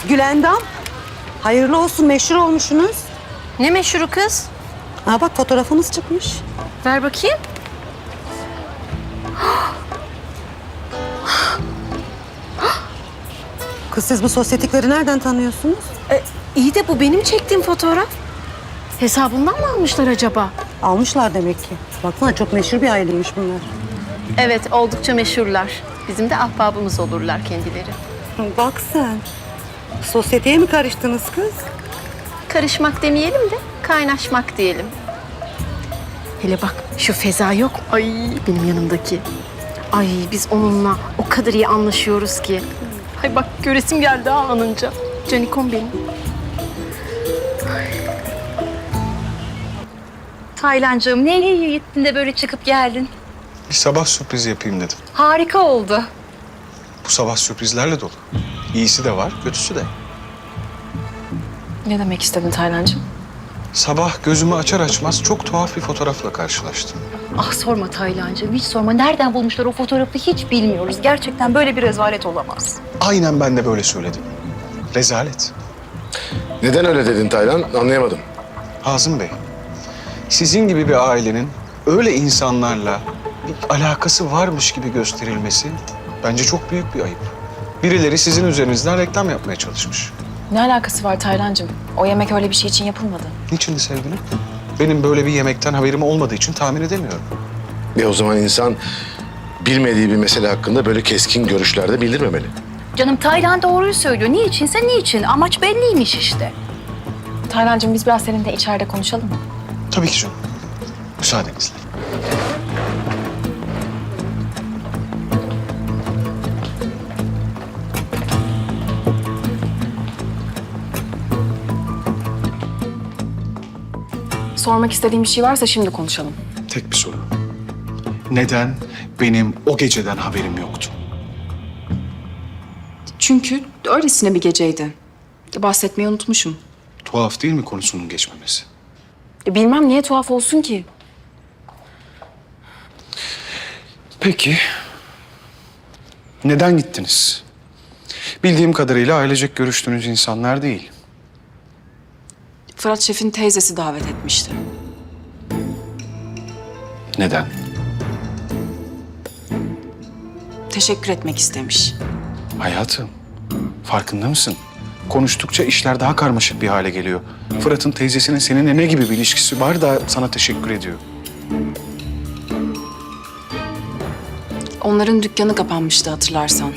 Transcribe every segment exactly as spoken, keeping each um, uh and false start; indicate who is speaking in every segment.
Speaker 1: Gülendam. Hayırlı olsun, meşhur olmuşsunuz.
Speaker 2: Ne meşhuru kız?
Speaker 1: Aa bak, fotoğrafınız çıkmış.
Speaker 2: Ver bakayım.
Speaker 1: Kız, siz bu sosyetikleri nereden tanıyorsunuz?
Speaker 2: E, iyi de bu benim çektiğim fotoğraf. Hesabından mı almışlar acaba?
Speaker 1: Almışlar demek ki. Baksana, çok meşhur bir aileymiş bunlar.
Speaker 2: Evet, oldukça meşhurlar. Bizim de ahbabımız olurlar kendileri.
Speaker 1: Bak sen. Sosyeteye mi karıştınız kız?
Speaker 2: Karışmak demeyelim de kaynaşmak diyelim. Hele bak şu Feza yok. Ay benim yanımdaki. Ay biz onunla o kadar iyi anlaşıyoruz ki. Ay bak göresim geldi ha anınca. Canikom benim.
Speaker 3: Taylancığım ne iyi gittin de böyle çıkıp geldin.
Speaker 4: Bir sabah sürprizi yapayım dedim.
Speaker 3: Harika oldu.
Speaker 4: Bu sabah sürprizlerle dolu. İyisi de var, kötüsü de.
Speaker 3: Ne demek istedin Taylancığım?
Speaker 4: Sabah gözümü açar açmaz çok tuhaf bir fotoğrafla karşılaştım.
Speaker 3: Ah sorma Taylancığım, hiç sorma. Nereden bulmuşlar o fotoğrafı hiç bilmiyoruz. Gerçekten böyle bir rezalet olamaz.
Speaker 4: Aynen ben de böyle söyledim. Rezalet.
Speaker 5: Neden öyle dedin Taylan? Anlayamadım.
Speaker 4: Hazım Bey, sizin gibi bir ailenin öyle insanlarla bir alakası varmış gibi gösterilmesi bence çok büyük bir ayıp. Birileri sizin üzerinizden reklam yapmaya çalışmış.
Speaker 6: Ne alakası var Taylancığım? O yemek öyle bir şey için yapılmadı.
Speaker 4: Niçin sevgilim? Benim böyle bir yemekten haberim olmadığı için tahmin edemiyorum.
Speaker 5: E o zaman insan bilmediği bir mesele hakkında böyle keskin görüşlerde bildirmemeli.
Speaker 3: Canım Taylan doğruyu söylüyor. Niçinse niçin. Amaç belliymiş işte.
Speaker 6: Taylancığım biz biraz seninle içeride konuşalım mı?
Speaker 4: Tabii ki canım. Müsaadenizle.
Speaker 6: Sormak istediğim bir şey varsa şimdi konuşalım.
Speaker 4: Tek bir soru. Neden benim o geceden haberim yoktu?
Speaker 6: Çünkü öylesine bir geceydi. Bahsetmeyi unutmuşum.
Speaker 4: Tuhaf değil mi konusunun geçmemesi?
Speaker 6: E, Bilmem niye tuhaf olsun ki.
Speaker 4: Peki. Neden gittiniz? Bildiğim kadarıyla ailecek görüştüğünüz insanlar değil.
Speaker 6: Fırat Şef'in teyzesi davet etmişti.
Speaker 4: Neden?
Speaker 6: Teşekkür etmek istemiş.
Speaker 4: Hayatım, farkında mısın? Konuştukça işler daha karmaşık bir hale geliyor. Fırat'ın teyzesinin seninle ne gibi bir ilişkisi var da sana teşekkür ediyor?
Speaker 6: Onların dükkanı kapanmıştı hatırlarsan.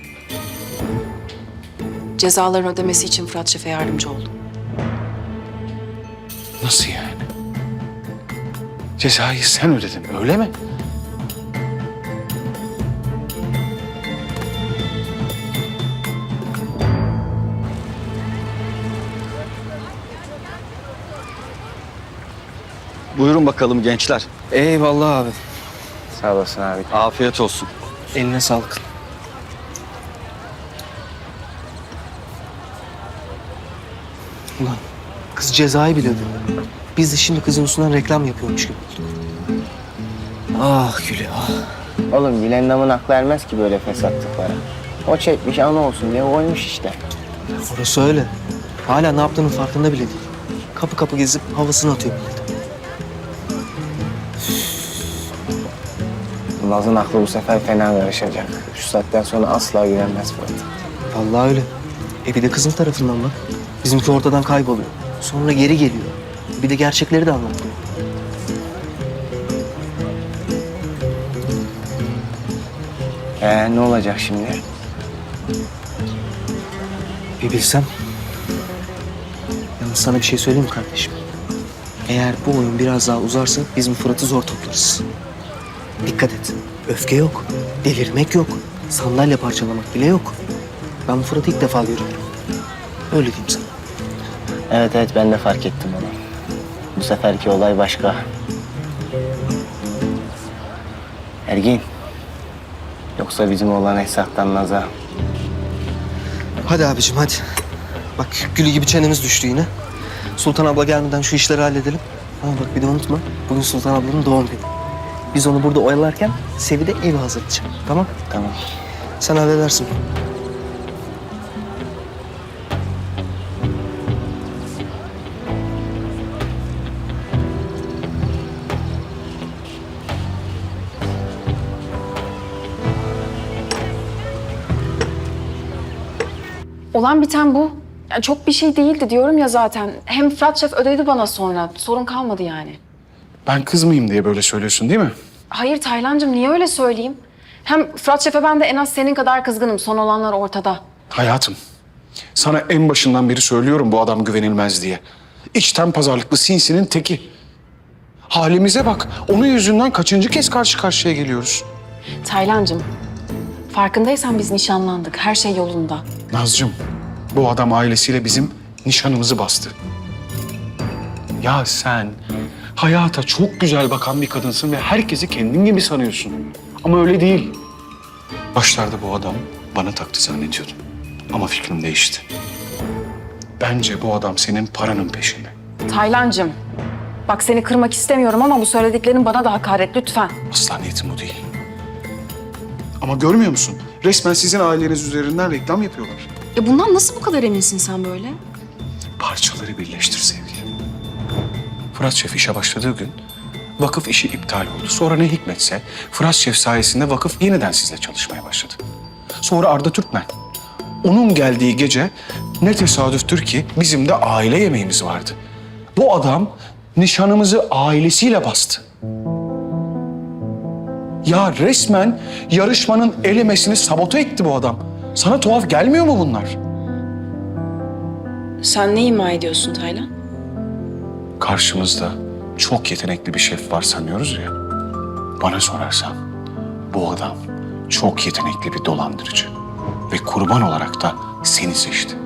Speaker 6: Cezaların ödemesi için Fırat Şef'e yardımcı oldum.
Speaker 4: Nasıl yani? Cezayı sen ödedin, öyle mi?
Speaker 7: Buyurun bakalım gençler.
Speaker 8: Eyvallah abi.
Speaker 7: Sağ olasın abi. Afiyet olsun.
Speaker 8: Eline sağlık. Ulan kız cezayı bile ödedi. Biz de şimdi kızın üstünden reklam yapıyormuş gibi olduk. Ah Gülü ah.
Speaker 9: Oğlum Gülendam'ın aklı ermez ki böyle fesatlıklara. O çekmiş ana olsun diye oymuş işte.
Speaker 8: Orası öyle. Hala ne yaptığının farkında bile değil. Kapı kapı gezip havasını atıyor millete.
Speaker 9: Naz'ın aklı bu sefer fena karışacak. Şu saatten sonra asla güvenmez Fırat.
Speaker 8: Vallahi öyle. E bir de kızın tarafından bak. Bizimki ortadan kayboluyor. Sonra geri geliyor. Bir de gerçekleri de anlatıyor.
Speaker 9: Ee ne olacak şimdi?
Speaker 8: Bir bilsem. Yalnız sana bir şey söyleyeyim mi kardeşim? Eğer bu oyun biraz daha uzarsa biz bu Fırat'ı zor toplarız. Dikkat et. Öfke yok. Delirmek yok. Sandalye parçalamak bile yok. Ben bu Fırat'ı ilk defa görüyorum. Öyle diyeyim sana.
Speaker 9: Evet evet ben de fark ettim onu. Bu seferki olay başka. Ergin. Yoksa bizim olan Esat'tan Naz'a.
Speaker 8: Hadi abicim hadi. Bak Gülü gibi çenemiz düştü yine. Sultan abla gelmeden şu işleri halledelim. Ama bak bir de unutma. Bugün Sultan ablanın doğum günü. Biz onu burada oyalarken Sevi de evi hazırlayacak. Tamam?
Speaker 9: Tamam.
Speaker 8: Sen halledersin.
Speaker 6: olan biten bu. Yani çok bir şey değildi diyorum ya zaten. Hem Fırat Şef ödedi bana sonra. Sorun kalmadı yani.
Speaker 4: Ben kızmayayım diye böyle söylüyorsun değil mi?
Speaker 6: Hayır Taylancığım, niye öyle söyleyeyim? Hem Fırat Şef'e ben de en az senin kadar kızgınım. Son olanlar ortada.
Speaker 4: Hayatım, sana en başından beri söylüyorum bu adam güvenilmez diye. İçten pazarlıklı sinsinin teki. Halimize bak, onun yüzünden kaçıncı kez karşı karşıya geliyoruz.
Speaker 6: Taylancığım, farkındaysan biz nişanlandık. Her şey yolunda.
Speaker 4: Nazcığım, bu adam ailesiyle bizim nişanımızı bastı. Ya sen hayata çok güzel bakan bir kadınsın ve herkesi kendin gibi sanıyorsun. Ama öyle değil. Başlarda bu adam bana taktı zannediyordum. Ama fikrim değişti. Bence bu adam senin paranın peşinde.
Speaker 6: Taylancığım, bak seni kırmak istemiyorum ama bu söylediklerin bana da hakaret lütfen.
Speaker 4: Asla niyetim o değil. Ama görmüyor musun? Resmen sizin aileniz üzerinden reklam yapıyorlar.
Speaker 6: Ya bundan nasıl bu kadar eminsin sen böyle?
Speaker 4: Parçaları birleştir sevgilim. Fırat Şef işe başladığı gün vakıf işi iptal oldu. Sonra ne hikmetse Fırat Şef sayesinde vakıf yeniden sizle çalışmaya başladı. Sonra Arda Türkmen. Onun geldiği gece ne tesadüftür ki bizim de aile yemeğimiz vardı. Bu adam nişanımızı ailesiyle bastı. Ya resmen yarışmanın elemesini sabote etti bu adam. Sana tuhaf gelmiyor mu bunlar?
Speaker 6: Sen ne ima ediyorsun Taylan?
Speaker 4: Karşımızda çok yetenekli bir şef var sanıyoruz ya. Bana sorarsan bu adam çok yetenekli bir dolandırıcı. Ve kurban olarak da seni seçti.